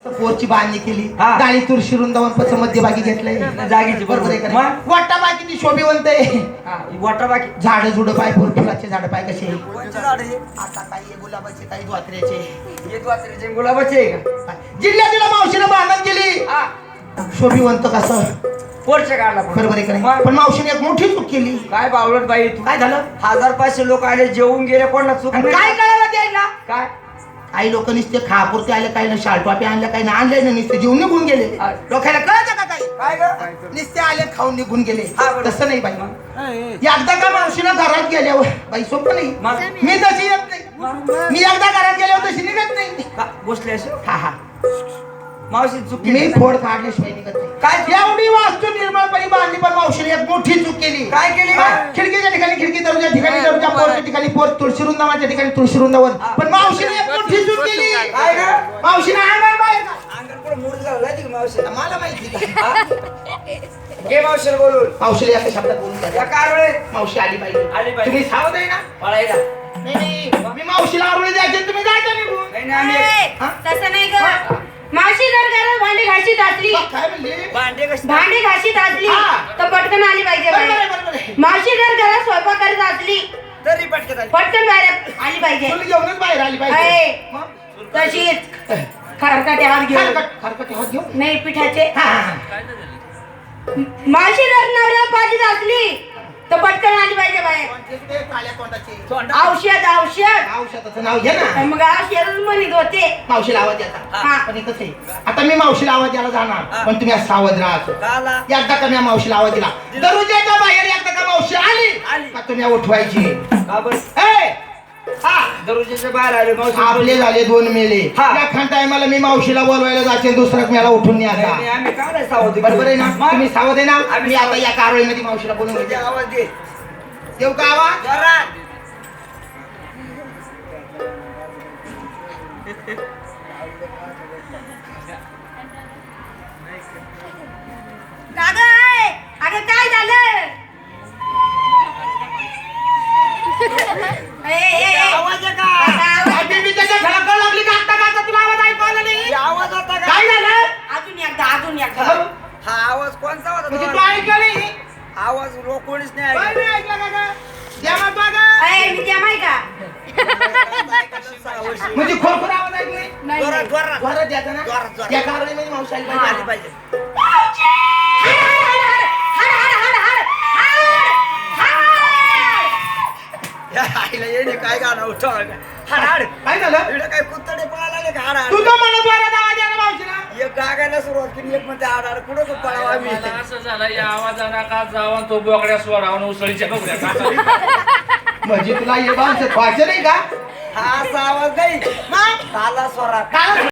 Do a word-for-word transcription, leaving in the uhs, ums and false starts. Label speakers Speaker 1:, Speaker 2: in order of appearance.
Speaker 1: पोरची बांधणी केली,
Speaker 2: हा.
Speaker 1: गाडी तुळशी वृंदावन पच मध्यभागी घेतलंय
Speaker 2: जागेची
Speaker 1: बरोबर आहे का
Speaker 2: मग?
Speaker 1: नाही? वाटा बाय किती शोभिवंत आहे.
Speaker 2: वाटा बाकी
Speaker 1: झाड झुड पाय फुल फुलाचे झाड पाय कसे
Speaker 2: कोणचे झाड आहे?
Speaker 1: आता काही गुलाबाचे काही द्वात्र्याचे
Speaker 2: हे द्वात्र्याचे गुलाबाचे आहे का?
Speaker 1: जिल्ह्यातील मावशीनं बांधण केली
Speaker 2: हा.
Speaker 1: शोभिवंत कसं
Speaker 2: पोरचे काढला पण.
Speaker 1: बरोबर आहे का नाही?
Speaker 2: मग?
Speaker 1: पण मावशीने एक मोठी चूक केली.
Speaker 2: काय बावळट बाई तू
Speaker 1: काय झालं
Speaker 2: हजार पाचशे लोक आले जेवून गेले कोणाला चूक
Speaker 1: आणि
Speaker 2: नाही.
Speaker 1: काय कळालं द्यायला
Speaker 2: काय
Speaker 1: काही लोक नुसते खापुरते आले काही ना शालटॉपे आणले काही ना आणले ना नुसते जेवून निघून गेले
Speaker 2: हा.
Speaker 1: लोकांना कळतं का काही
Speaker 2: काय ग
Speaker 1: नुसते आले खाऊन निघून गेले
Speaker 2: हा, बरोबर.
Speaker 1: तसं नाही बाई एकदा का मावशीनं घरात गेल्यावर बाई सोपं नाही
Speaker 2: मग?
Speaker 1: मी तशी येत नाही मी एकदा घरात गेल्यावर तशी निघत नाही
Speaker 2: का बसले असे
Speaker 1: हा हा
Speaker 2: मावशी चुकी
Speaker 1: मी फोड काढल्याशिवाय निघत नाही
Speaker 2: काय
Speaker 1: एवढी वास्तू निर्मळपणे बांधली पण मावशीने एक मोठी चूक केली
Speaker 2: काय केली
Speaker 1: हा,
Speaker 2: बा?
Speaker 1: खिडकीच्या ठिकाणी खिडकी दरवाजा ठिकाणी दरवाजा पोरच्या ठिकाणी पोर तुळशी वृंदावनाच्या ठिकाणी तुळशी वृंदावन पण मावशीने एक मोठी चूक केली
Speaker 2: काय ग
Speaker 1: मावशीने अंगण बाहेर काढलं.
Speaker 2: अंगण पुढे मूड झालं माहिती का मावशी
Speaker 1: मला माहिती
Speaker 2: घे मावशीला बोलून
Speaker 1: मावशीला एका शब्दात बोलून
Speaker 2: या
Speaker 1: द्या.
Speaker 2: कारवेळे
Speaker 1: मावशी आली पाहिजे
Speaker 2: आली पाहिजे.
Speaker 1: तुम्ही सावध आहे ना
Speaker 2: पळायला
Speaker 1: नाही नाही मी मावशीला आवडले द्यायचे तुम्ही जायचं निघून
Speaker 2: नाही नाही, आम्ही
Speaker 1: हा?
Speaker 3: तसं नाही ग मावशी जर घरात भांडी घाशीत असली
Speaker 1: मग काय म्हणले
Speaker 2: भांडे कशी
Speaker 3: भांडी घाशीत असली
Speaker 1: हा.
Speaker 3: तर पटकन आली पाहिजे
Speaker 1: बरोबर
Speaker 3: बाहेर.
Speaker 1: आहे, बरोबर आहे.
Speaker 3: मावशी जर घरात स्वयंपाक करत असली
Speaker 2: तरी पटकन आली.
Speaker 3: पटकन बाहेर आली पाहिजे
Speaker 1: तुम्ही घेऊनच बाहेर आली पाहिजे
Speaker 3: आहे.
Speaker 1: मग?
Speaker 3: तशीच खरकाटे हात घेऊन
Speaker 1: खरकट खरकट हात घेऊन
Speaker 3: नाही पिठाचे
Speaker 1: हा, हा, हा.
Speaker 3: मावशी जर नवऱ्या पाजीत असली तर पटकन आली पाहिजे बाहेर
Speaker 1: कोणते ते काळ्या तोंडाचे
Speaker 2: तोंडा-
Speaker 3: औषध औषध
Speaker 1: औषधाचं नाव घे ना
Speaker 3: मग औषध म्हणत होते
Speaker 1: मावशीला आवाज द्यायचा
Speaker 3: हा.
Speaker 1: पण हे कसं आहे आता मी मावशीला आवाज द्यायला जाणार
Speaker 2: हा.
Speaker 1: पण तुम्ही आज सावध राहायचो
Speaker 2: काला
Speaker 1: एकदा का मी मावशीला आवाज दिला दरवाजाच्या बाहेर एकदा का मावशी आली
Speaker 2: आली.
Speaker 1: का तुम्ही उठवायची
Speaker 2: का बरं
Speaker 1: ए! हा
Speaker 2: दरवाजाच्या बाहेर आले मावशी
Speaker 1: आपले झाले दोन मेले
Speaker 2: हा.
Speaker 1: एखाद टायमाला मी मावशीला बोलवायला जाते दुसऱ्या मेला उठून
Speaker 2: नाही,
Speaker 1: न्यायचा
Speaker 2: नाही, आम्ही काय नाही सावध
Speaker 1: बरोबर आहे ना
Speaker 2: मग?
Speaker 1: तुम्ही सावध आहे ना
Speaker 2: आम्ही
Speaker 1: मी आता
Speaker 2: सावध.
Speaker 1: या कारवाईमध्ये मावशीला बोलून
Speaker 2: दे
Speaker 1: घेते
Speaker 2: आवाज दे
Speaker 1: देऊ का आवाज
Speaker 2: जोरात.
Speaker 3: अगं आहे. अगं काय झालं ए, ए, ए.
Speaker 2: आवाज आहे का
Speaker 3: आता आवाज-
Speaker 1: मी त्याच्या झळकड लागली का आता का तुला आवाज ऐकू आला नाही
Speaker 2: हे आवाज होता का
Speaker 1: काय झालं
Speaker 3: अजून एकदा अजून एकदा
Speaker 2: हा आवाज कोणचा होता
Speaker 1: म्हणजे तू
Speaker 2: तो?
Speaker 1: ऐकलं नाही
Speaker 2: आवाज रो- कोणीच नाही
Speaker 1: काय
Speaker 2: ऐकलं.
Speaker 1: नाही ऐकलं का गं? द्या मग बघा.
Speaker 3: ए, मी त्या माही का
Speaker 2: सहा वर्षी.
Speaker 1: म्हणजे खोरखोर आवाज ऐकू नाही
Speaker 3: नाही,
Speaker 2: जोरात,
Speaker 3: नाही.
Speaker 2: जोरात.
Speaker 1: जोरात द्यायचा ना
Speaker 2: जोरात, जोरात.
Speaker 1: या कारवाईमध्ये मावशी आली
Speaker 3: हा.
Speaker 1: पाहिजे
Speaker 2: आली पाहिजे
Speaker 3: हड, हड, हड, हड, हड, हड, हड.
Speaker 2: या आईला येणे काय गाणं उठव हाड हाड
Speaker 1: काय झालं
Speaker 2: इकडे काय कुत्तडे पळायला आले का हाड हाड
Speaker 1: तू तर म्हणत जोरात आवाज द्या ना मावशीला
Speaker 2: एक गागायला सुरुवात केली एक म्हणते हाड हाड कुठं पळावा आम्ही
Speaker 4: मला असं झालं या आवाजाला का जावा तो बोकड्या सोडावा उसळीच्या बोकड्या का
Speaker 1: म्हणजे तुला हे बांधचं व्हायचं नाही का
Speaker 2: हा असा आवाज नाही
Speaker 1: मग
Speaker 2: ताला स्वरात
Speaker 1: काय